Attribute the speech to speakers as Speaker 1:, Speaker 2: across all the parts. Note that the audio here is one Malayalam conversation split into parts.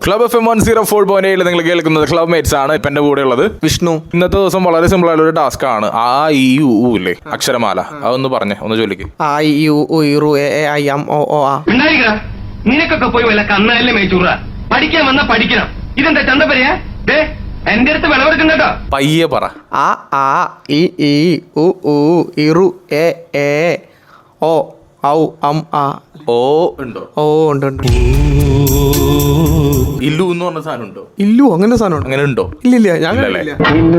Speaker 1: ക്ലബ് FM 104.7 നിങ്ങൾ കേൾക്കുന്നത് ക്ലബ് മേറ്റ്സ് ആണ്. ഇപ്പൊ എന്റെ കൂടെ ഉള്ളത് വിഷ്ണു. ഇന്നത്തെ ദിവസം വളരെ സിമ്പിൾ ആയിട്ടുള്ള ഒരു ടാസ്ക് ആണ്. ആ ഇ യു ഇല്ലേ അക്ഷരമാല, അതൊന്ന് പറഞ്ഞേ, ഒന്ന് ചൊല്ലിക്ക്.
Speaker 2: ആ ഇ യു ഉ എ എ ഐ എം ഒ ഓ ആ.
Speaker 3: നിനക്കൊക്കെ പോയി വല്ല കന്നാലേ മേച്ചൂറ. പഠിക്കാൻ വന്നാ പഠിക്കണം. ഇതെന്താ ചന്തപ്പരയാ? എന്റെ അടുത്ത് വിളവെടുക്കും കേട്ടോ.
Speaker 1: പയ്യെ പറ.
Speaker 2: ആ ഇ ഈ ഉ ഇറു എ എ ഓ ഔ അം ആ.
Speaker 1: ഓ ഉണ്ടോ?
Speaker 2: ഓ ഉണ്ട് ഉണ്ട്.
Speaker 1: ഇല്ലു എന്ന് പറഞ്ഞ സാധനം ഉണ്ടോ?
Speaker 2: ഇല്ലു അങ്ങനെ സാധനം
Speaker 1: അങ്ങനെ ഉണ്ടോ?
Speaker 2: ഇല്ലില്ല, ഞാൻ കണ്ടില്ല.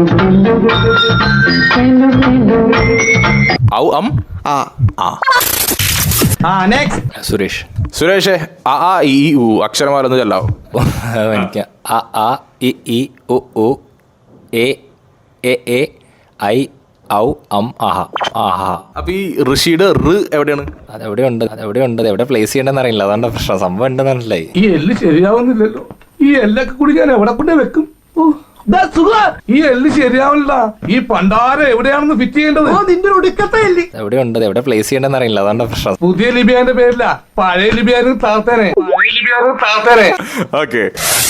Speaker 1: ഔ അം
Speaker 2: ആ
Speaker 1: ആ.
Speaker 2: നെക്സ്റ്റ്
Speaker 1: സുരേഷേ, ആ ഇ ഉ അക്ഷരമാല ഒന്ന് ചെല്ലാവോ?
Speaker 4: എനിക്ക് അ ഇ ഈ ഉ എ എ എ ഐ ഔ അം ആഹ ആഹ.
Speaker 1: അപ്പൊ ഈ ഋഷിയുടെ റ് എവിടെയാണ്?
Speaker 4: അതെവിടെ എവിടെ പ്ലേസ് ചെയ്യണ്ടെന്ന് അറിയില്ല, അതാണ് പ്രശ്നം. സംഭവം ഉണ്ടെന്ന് അറിയില്ലേ.
Speaker 5: ഈ എല്ല് ശരിയാവുന്നില്ലല്ലോ. ഈ എല്ലൊക്കെ കൂടി ഞാൻ എവിടെ കൊണ്ട് വെക്കും? ഈ എല്ല് ശരിയാവില്ല. ഈ പണ്ടാരം എവിടെയാണെന്ന് ഫിറ്റ് ചെയ്യേണ്ടത്? നിന്റെ ഒടുക്കത്തെ എല്ല്
Speaker 4: എവിടെ പ്ലേസ് ചെയ്യണ്ടെന്ന് അറിയില്ല, അതാണ് പ്രശ്നം.
Speaker 5: പുതിയ ലിബിയാന്റെ പേരില്ല, പഴയ ലിബിയാനും താത്തേനെ.
Speaker 1: ഓക്കെ.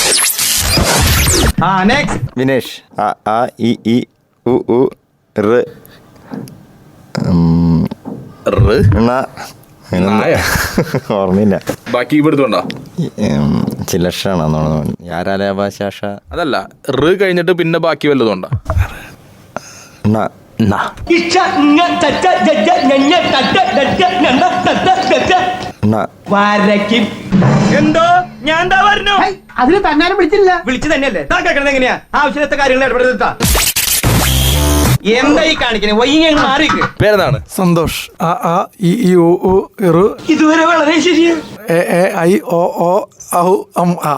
Speaker 2: നെക്സ്റ്റ്
Speaker 6: വിനേഷ് അ ഇ ഈ ഉ റ്
Speaker 1: റ്
Speaker 6: ണ ഓർമ്മയില്ല.
Speaker 1: ബാക്കി ഇവിടുത്തോണ്ടാ
Speaker 6: ചിലക്ഷാണോ യാരാലാഭാശാഷ
Speaker 1: അതല്ല, റ് കഴിഞ്ഞിട്ട് പിന്നെ ബാക്കി വല്ലതുകൊണ്ടാ?
Speaker 3: എന്തോ ഞാൻ എന്താ പറഞ്ഞു?
Speaker 2: അതിന് തന്നാലും വിളിച്ചില്ല.
Speaker 3: വിളിച്ചു തന്നെയല്ലേ താൻ കേൾക്കണത്? എങ്ങനെയാ ആവശ്യത്തെ കാര്യങ്ങൾ ഇടപെടുത്താ? എന്താ ഈ കാണിക്കണേ? വൈകി മാറിക്ക്.
Speaker 1: പേരെന്താണ്?
Speaker 5: സന്തോഷ് അ ഇ ഈ ഉ ഇറു
Speaker 3: ഇതുവരെ വളരെ ശരിയാ.
Speaker 5: എ എ ഐ ഒ ഓ ഔ അം ആ.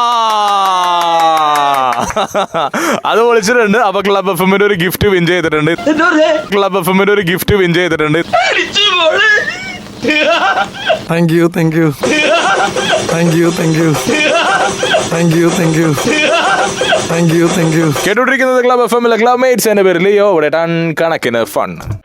Speaker 1: അത് വിളിച്ചിട്ടുണ്ട്. അപ്പൊ ക്ലബ് എഫ്എമ്മിന്റെ ഒരു ഗിഫ്റ്റ് വിൻ ചെയ്തിട്ടുണ്ട്. ക്ലബ് എഫ്എമ്മിന്റെ ഒരു ഗിഫ്റ്റ് വിൻ ചെയ്തിട്ടുണ്ട്.
Speaker 5: Thank you thank you thank you thank you thank you thank you thank you thank you.
Speaker 1: കേട്ടോണ്ടിരിക്കുന്നത് ക്ലബ് എഫ്എമ്മിലെ ക്ലബ് മേറ്റ്സ് എന്ന പേരിൽ ഇവിടെ ടൺ കണക്കിന് ഫൺ.